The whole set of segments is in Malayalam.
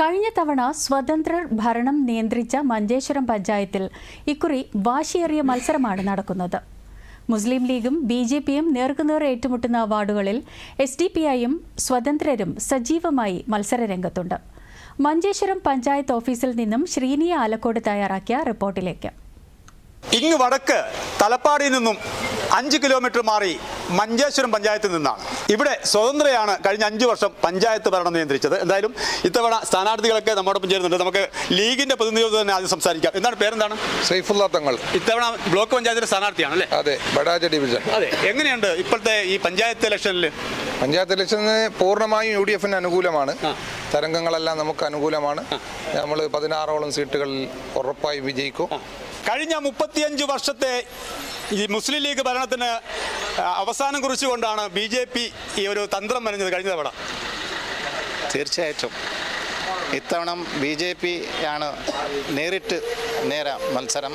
കഴിഞ്ഞ തവണ സ്വതന്ത്രർ ഭരണം നിയന്ത്രിച്ച മഞ്ചേശ്വരം പഞ്ചായത്തിൽ ഇക്കുറി വാശിയേറിയ മത്സരമാണ് നടക്കുന്നത്. മുസ്ലിം ലീഗും BJPയും നേർക്കുനേർ ഏറ്റുമുട്ടുന്ന വാർഡുകളിൽ SDPIയും സ്വതന്ത്രരും സജീവമായി മത്സരരംഗത്തുണ്ട്. മഞ്ചേശ്വരം പഞ്ചായത്ത് ഓഫീസിൽ നിന്നും ശ്രീനിയ ആലക്കോട് തയ്യാറാക്കിയ റിപ്പോർട്ടിലേക്ക്. ഇങ്ങ് വടക്ക് തലപ്പാടിയിൽ നിന്നും 5 കിലോമീറ്റർ മാറി മഞ്ചേശ്വരം പഞ്ചായത്തിൽ നിന്നാണ്. ഇവിടെ സ്വതന്ത്രയാണ് കഴിഞ്ഞ 5 വർഷം പഞ്ചായത്ത് ഭരണം നിയന്ത്രിച്ചത്. എന്തായാലും ഇത്തവണ സ്ഥാനാർത്ഥികളൊക്കെ നമ്മോടൊപ്പം ചേരുന്നുണ്ട്. നമുക്ക് ലീഗിന്റെ പ്രതിനിധിയോട് തന്നെ ആദ്യം സംസാരിക്കാം. എന്താണ് പേരെന്താണ്? സൈഫുള്ള തങ്ങൾ. ഇത്തവണ ബ്ലോക്ക് പഞ്ചായത്തിന്റെ സ്ഥാനാർത്ഥിയാണ് അല്ലേ? അതെ, ബഡാജ ഡിവിഷൻ. അതെ, എങ്ങനെയുണ്ട് ഇപ്പോഴത്തെ ഈ പഞ്ചായത്ത് ഇലക്ഷനിൽ? പഞ്ചായത്ത് ഇലക്ഷന് പൂർണ്ണമായും UDFന് അനുകൂലമാണ്. തരംഗങ്ങളെല്ലാം നമുക്ക് അനുകൂലമാണ്. നമ്മൾ 16ഓളം സീറ്റുകളിൽ ഉറപ്പായും വിജയിക്കും. കഴിഞ്ഞ 35 വർഷത്തെ ഈ മുസ്ലിം ലീഗ് ഭരണത്തിന് അവസാനം കുറിച്ചുകൊണ്ടാണ് BJP ഈ ഒരു തന്ത്രം മെനഞ്ഞത് കഴിഞ്ഞ തവണ. തീർച്ചയായിട്ടും ഇത്തവണ BJP ആണ് നേരിട്ട് മത്സരം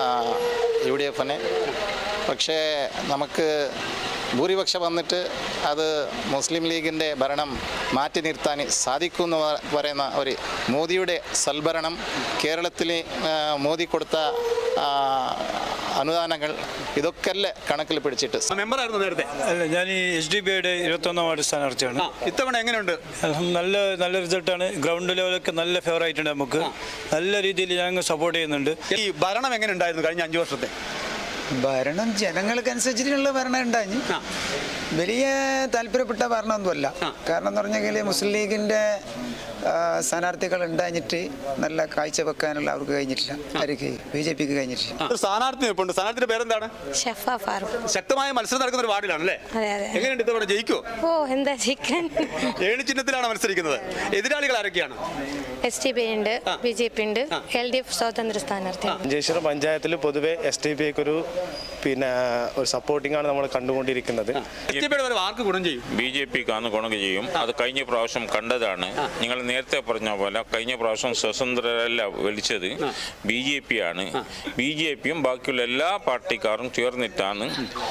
UDFന്. പക്ഷേ നമുക്ക് ഭൂരിപക്ഷം വന്നിട്ട് അത് മുസ്ലിം ലീഗിൻ്റെ ഭരണം മാറ്റി നിർത്താൻ സാധിക്കുമെന്ന് പറയുന്ന ഒരു മോദിയുടെ സൽഭരണം, കേരളത്തിൽ മോദി കൊടുത്ത അനുദാനങ്ങൾ, ഇതൊക്കെ കണക്കിൽ പിടിച്ചിട്ട്. മെമ്പറായിരുന്നു നേരത്തെ? അല്ല, ഞാൻ ഈ SDPയുടെ 21ാം വാർഡ് സ്ഥാനാർത്ഥിയാണ്. ഇത്തവണ എങ്ങനെയുണ്ട്? നല്ല റിസൾട്ടാണ്. ഗ്രൗണ്ട് ലെവലൊക്കെ നല്ല ഫേവർ ആയിട്ടുണ്ട്. നമുക്ക് നല്ല രീതിയിൽ ഞങ്ങൾ സപ്പോർട്ട് ചെയ്യുന്നുണ്ട്. ഈ ഭരണം എങ്ങനെ ഉണ്ടായിരുന്നു കഴിഞ്ഞ 5 വർഷത്തെ ഭരണം? ജനങ്ങൾക്കനുസരിച്ചിട്ടുള്ള ഭരണം ഉണ്ടായി. വലിയ താല്പര്യപ്പെട്ട ഭരണമൊന്നുമല്ല. കാരണം എന്ന് പറഞ്ഞെങ്കിൽ മുസ്ലിം ലീഗിന്റെ സ്ഥാനാർത്ഥികൾ ഉണ്ടായിട്ട് നല്ല കാഴ്ച വെക്കാനുള്ള അവർക്ക് കഴിഞ്ഞിട്ടില്ല. അവർക്ക് BJPക്ക് കഴിഞ്ഞിട്ടില്ല. സ്ഥാനാർത്ഥിയുടെ പേരെന്താണ്? ശക്തമായ മത്സരം നടക്കുന്ന ഒരു വാർഡിലാണല്ലേ? എങ്ങനെയുണ്ട് ഇത്തവണ ജയിക്കോ? എന്താ ജയിക്കാൻ? ഏണി ചിഹ്നത്തിലാണ് മത്സരിക്കുന്നത്. എതിരാളികൾ ആരൊക്കെയാണ്? SDP ഉണ്ട്, BJP ഉണ്ട്, LDF സ്വതന്ത്ര സ്ഥാനാർത്ഥി. മഞ്ചേശ്വരം പഞ്ചായത്തിൽ പൊതുവെ SDPക്ക് ഒരു സപ്പോർട്ടിംഗ് ആണ് നമ്മൾ കണ്ടുകൊണ്ടിരിക്കുന്നത്. BJPക്കാണ് ഗുണം ചെയ്യും. അത് കഴിഞ്ഞ പ്രാവശ്യം കണ്ടതാണ്. നിങ്ങൾ നേരത്തെ പറഞ്ഞ പോലെ കഴിഞ്ഞ പ്രാവശ്യം സ്വതന്ത്രരല്ല വിളിച്ചത് BJP ആണ്. BJPയും ബാക്കിയുള്ള എല്ലാ പാർട്ടിക്കാരും ചേർന്നിട്ടാണ്.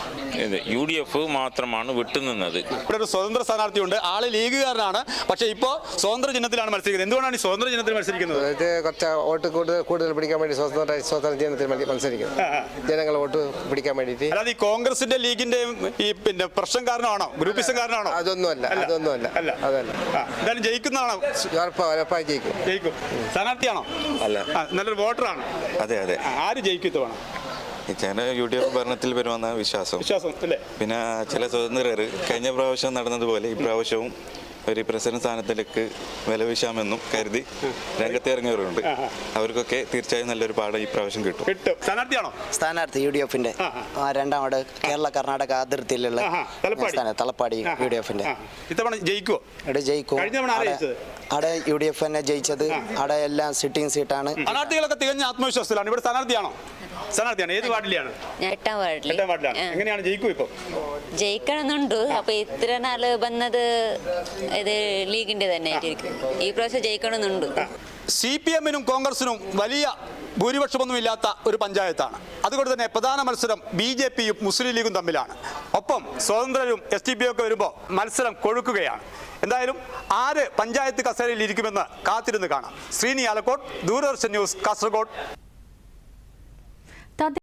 UDF മാത്രമാണ് വിട്ടുനിന്നത്. ഇവിടെ ഒരു സ്വതന്ത്ര സ്ഥാനാർത്ഥിയുണ്ട്. ആള് ലീഗുകാരനാണ്. പക്ഷേ ഇപ്പോൾ സ്വതന്ത്ര ചിഹ്നത്തിലാണ് മത്സരിക്കുന്നത്. എന്തുകൊണ്ടാണ് ഈ സ്വതന്ത്ര ചിഹ്നത്തിൽ മത്സരിക്കുന്നത്? കുറച്ച് വോട്ട് കൂടുതൽ പിടിക്കാൻ വേണ്ടി സ്വതന്ത്ര ചിഹ്നത്തിൽ മത്സരിക്കുന്നത്. ജനങ്ങൾ വോട്ട് പിടിക്കാൻ വേണ്ടിയിട്ട്. അല്ലാതെ ഈ കോൺഗ്രസിന്റെ ലീഗിന്റെയും ഈ പ്രശ്നം കാരണമാണോ? ഗ്രൂപ്പിസം കാരണമാണോ? അതൊന്നുമല്ല. എന്തായാലും ജയിക്കുന്നതാണോ? ജയിക്കും. സ്ഥാനാർത്ഥിയാണോ? അല്ല, നല്ലൊരു വോട്ടറാണ്. അതെ. ആര് ജയിക്കും തവണ? UDF ഭരണത്തിൽ വരുമെന്ന വിശ്വാസം അല്ലേ? പിന്നെ ചില സ്വതന്ത്രർ കഴിഞ്ഞ പ്രാവശ്യം നടന്നതുപോലെ ഈ പ്രാവശ്യവും ഒരു പ്രസിഡന്റ് സ്ഥാനത്തിലേക്ക് വിലവീശാമെന്നും കരുതി രംഗത്തിറങ്ങിയവരുണ്ട്. അവർക്കൊക്കെ തീർച്ചയായും നല്ലൊരു പാഠം ഈ പ്രാവശ്യം കിട്ടും. സ്ഥാനാർത്ഥിയാണോ? സ്ഥാനാർത്ഥി UDFന്റെ 2ാം വാർഡ് കേരള കർണാടക അതിർത്തിയിലുള്ള തലപ്പാടി UDFന്റെ. ഇത്തവണ ജയിക്കുമോ? ജയിക്കും. അവിടെ UDF തന്നെ ജയിച്ചത്. അവിടെ എല്ലാം സിറ്റിംഗ് സീറ്റാണ്. സ്ഥാനാർത്ഥികളൊക്കെ തികഞ്ഞ ആത്മവിശ്വാസത്തിലാണ്. ഇവിടെ സ്ഥാനാർത്ഥിയാണോ? ഏത് വാർഡിലാണ്? 8ാം വാർഡിൽ. എങ്ങനെയാണ് ജയിക്കും? ഇപ്പൊ ജയിക്കണമെന്നുണ്ട്. അപ്പൊ ഇത്ര നാള് വന്നത് ഇത് ലീഗിന്റെ തന്നെ ആയിരിക്കും. ഈ പ്രാവശ്യം ജയിക്കണമെന്നുണ്ട്. CPMനും കോൺഗ്രസിനും വലിയ ഭൂരിപക്ഷമൊന്നുമില്ലാത്ത ഒരു പഞ്ചായത്താണ്. അതുകൊണ്ട് തന്നെ പ്രധാന മത്സരം BJPയും മുസ്ലിം ലീഗും തമ്മിലാണ്. ഒപ്പം സ്വതന്ത്രരും SDP ഒക്കെ വരുമ്പോൾ മത്സരം കൊഴുക്കുകയാണ്. എന്തായാലും ആര് പഞ്ചായത്ത് കസേരയിൽ ഇരിക്കുമെന്ന് കാത്തിരുന്ന് കാണാം. ശ്രീനി ആലക്കോട്, ദൂരദർശൻ ന്യൂസ്, കാസർഗോഡ്.